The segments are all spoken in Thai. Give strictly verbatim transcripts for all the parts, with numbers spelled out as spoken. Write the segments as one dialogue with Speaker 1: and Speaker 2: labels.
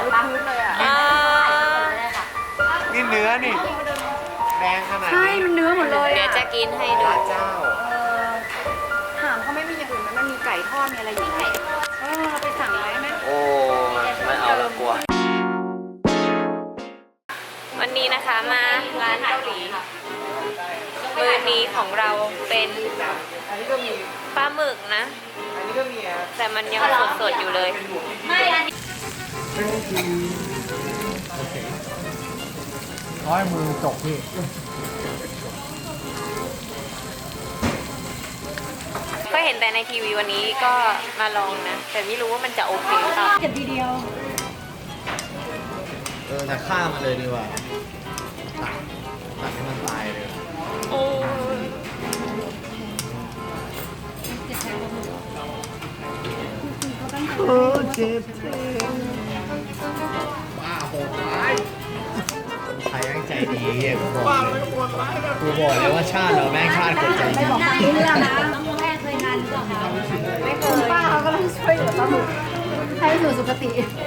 Speaker 1: พื้นเลยอ่ะ
Speaker 2: นี่เนื้อนี่แดงขนาด
Speaker 1: ใช่
Speaker 2: นี้
Speaker 1: มันเนื้อหมดเลย
Speaker 3: เดี๋ยว
Speaker 1: อ่ะ
Speaker 3: จะกินให้ดู
Speaker 2: พระเจ้า
Speaker 1: ถามเขาไม่มีอย่างอื่นมันมีไก่ทอดมีอะไรอยู่ไหมเออเราไปสั่งอะไรไหม
Speaker 2: โอ้ไม่เอาละกลัว
Speaker 3: วันนี้นะคะมาร้านเกาหลีมื้อนี้ของเราเป็น
Speaker 2: อันนี้ก็มี
Speaker 3: ปลาหมึกนะ
Speaker 2: อันนี้ก็มีอ่ะ
Speaker 3: แต่มันยังสดๆอยู่เลย
Speaker 1: ไม่อันนี้
Speaker 2: โอเคร้อยมือจกพี่
Speaker 3: ก็เห็นแต่ในทีวีวันนี้ก็มาลองนะ แต่ไม่รู้ว่ามันจะโอเคหรือเปล่า
Speaker 1: เก็บทีเดียว
Speaker 2: เออจะฆ่ามันเลยดีกว่าตัดตัดให้มันตายเลย
Speaker 3: โอ้
Speaker 2: โอ้เจ็บเจ็บบ้าโหดร้ายใครแม่งใจดีอ่ะกูบอกเลยกูบอกเลยว่าชาติเราแม่งชาติคนใจดี
Speaker 1: ไม่บอกไม่เรื่องนะแม่เคยงานหรือเปล่าคะไม่เคยป้าเขาก็ต้องช่วยเหลือปลาหมึกให้อยู่สุขติ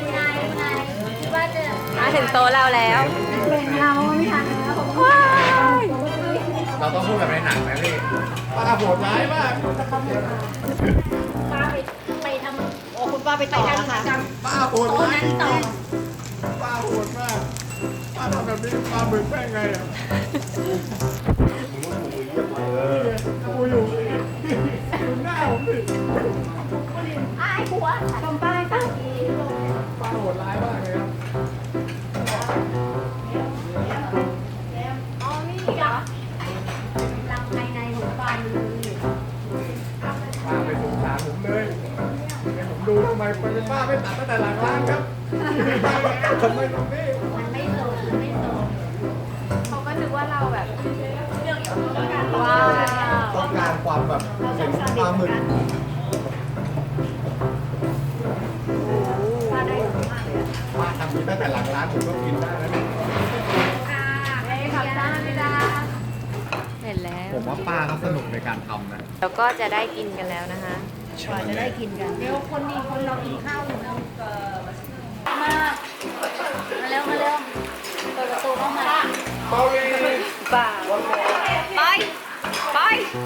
Speaker 3: มาถึงโต๊ะเราแล้ว
Speaker 1: เป็นเราไม่ทันแล้ว
Speaker 2: เราต้องพูดแบบในหนังไหมพี่ป้าโหดร้ายมาก
Speaker 1: ป้าไปไปทำโอ้คุณป้าไปต่อแล้วค่ะ
Speaker 2: ป้าโหดร้ายต่อป้าโหดมากป้าทำแบบนี้ป้าเบิกแป้งไงอ่ะเออกูอยู่ดูหน้าผมดิ
Speaker 1: ไอ้หัวทำป้ายป้า
Speaker 2: ป้าโหดร้ายมากเลยครับ
Speaker 1: อ๋อนี่เหรอรังภายในของป้ามันเลย
Speaker 2: ป้าไปสงสารผมเลยให้ผมดูทำไมเป็นป้าไม่ตัดตั้งแต่หลังร้านครับทำไมตรงนี้
Speaker 1: มันไม่โสดมันไม่โสด
Speaker 3: เขาก็นึกว่าเราแบบ
Speaker 1: ว้าว
Speaker 2: ต้องการความแบบเป็นปลาหมึก
Speaker 1: ป้าได้มากเลย
Speaker 2: ป้าทำนี้ตั้งแต่หลังร้านผมก็กินได้แล้วเนี่ย
Speaker 1: ค่ะไม่ขับได้ไม่ได้
Speaker 3: เห็นแล้ว
Speaker 2: ผมว่าป้าเขาสนุกในการทำนะ
Speaker 3: แล้วก็จะได้กินกันแล้วนะคะ
Speaker 1: กว่าจะได้กินกันเดี๋ยวคนนี้คนเรากินข้าวอยู่แล้วมา มาเร็ว มาเร็ว เปิดประตูเข้ามา
Speaker 2: เบาลี
Speaker 3: ป่าไป ไป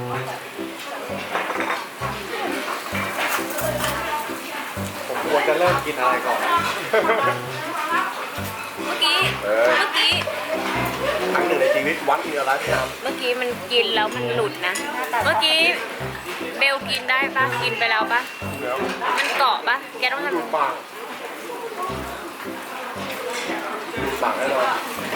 Speaker 2: ผมควรจะเริ่มกินอะไรก่อน
Speaker 3: เมื่อกี้
Speaker 2: เออ
Speaker 3: เมื่อกี้
Speaker 2: ครั้งหนึ่งในชีวิตวัดมีอะไรที่ท
Speaker 3: เมื่อกี้มันกินแล้วมันหลุดนะ เมื่อกี้เบลกินได้ปะกินไปแล้วปะ
Speaker 2: ำแล้ว
Speaker 3: มันเกาะปะแกต้องทำ
Speaker 2: ดูปากดูปากแน่นอน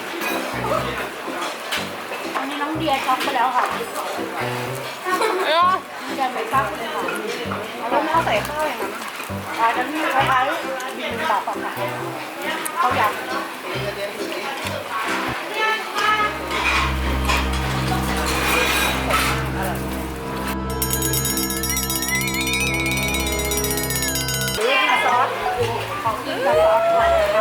Speaker 1: อันนี้น้องเดียช็อกไปแล้วค่ะ
Speaker 3: เออ
Speaker 1: เดียไม่ฟักเลยค่ะแล้วไม่เอาใส่ข้าวอย่างนั้นอ่าจะมีคล้ายๆบินแบบค่ะเขาอยากหรือซอสของกินกับซอสหวานนะคะ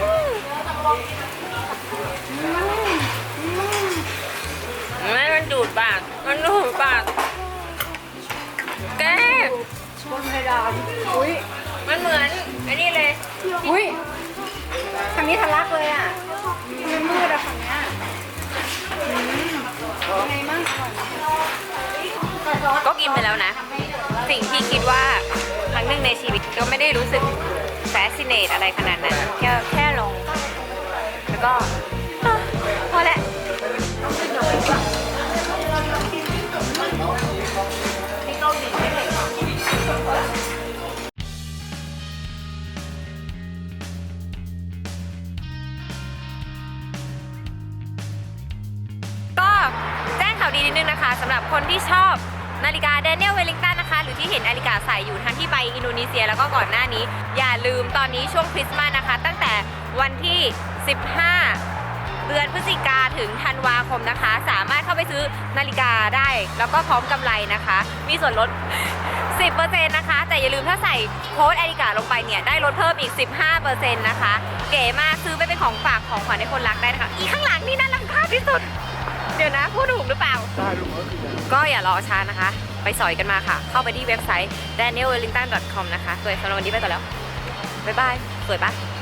Speaker 3: ไม่มันดูดปาก มันดูดปาก แก
Speaker 1: บนเพดานอุ้ย
Speaker 3: มันเหมือนอันนี้เลย
Speaker 1: อุ้ยทางนี้ทะลักเลยอ่ะมันมืดอะฝั่งเนี้ยอืมยังไงมั่งอร่อยไหม
Speaker 3: ก็กินไปแล้วนะ สิ่งที่คิดว่าครั้งหนึ่งในชีวิตก็ไม่ได้รู้สึกแฟสซิเนตอะไรขนาดนั้น แค่แค่ลง แล้วก็อ่ะพอแล้วก็แจ้งข่าวดีนิดนึงนะคะสำหรับคนที่ชอบนาฬิกา Daniel Wellington นะคะหรือที่เห็นนาฬิกาใส่อยู่ทั้งที่ไปอินโดนีเซียแล้วก็ก่อนหน้านี้ อย่าลืมตอนนี้ช่วงคริสต์มาสนะคะ ตั้งแต่วันที่ สิบห้า เดือนพฤศจิกาถึงธันวาคมนะคะ สามารถเข้าไปซื้อนาฬิกาได้ แล้วก็พร้อมกำไรนะคะ มีส่วนลด สิบเปอร์เซ็นต์ นะคะ แต่อย่าลืมถ้าใส่โค้ดนาฬิกาลงไปเนี่ยได้ลดเพิ่มอีก สิบห้าเปอร์เซ็นต์ นะคะ เก๋มากซื้อไปเป็นของฝากของขวัญให้คนรักได้นะคะ อีข้างหลังนี่น่ารำคาญที่สุด เดี๋ยวนะพูดถูกหรือเปล่า
Speaker 2: ได้ลูกเอ้ย
Speaker 3: ก็อย่ารอช้านะคะ ไปสอยกันมาค่ะ เข้าไปที่เว็บไซต์ daniel wellington dot com นะคะสวยสำหรับวันนี้ไปก่อนแล้ว บ๊ายบาย สวยปะ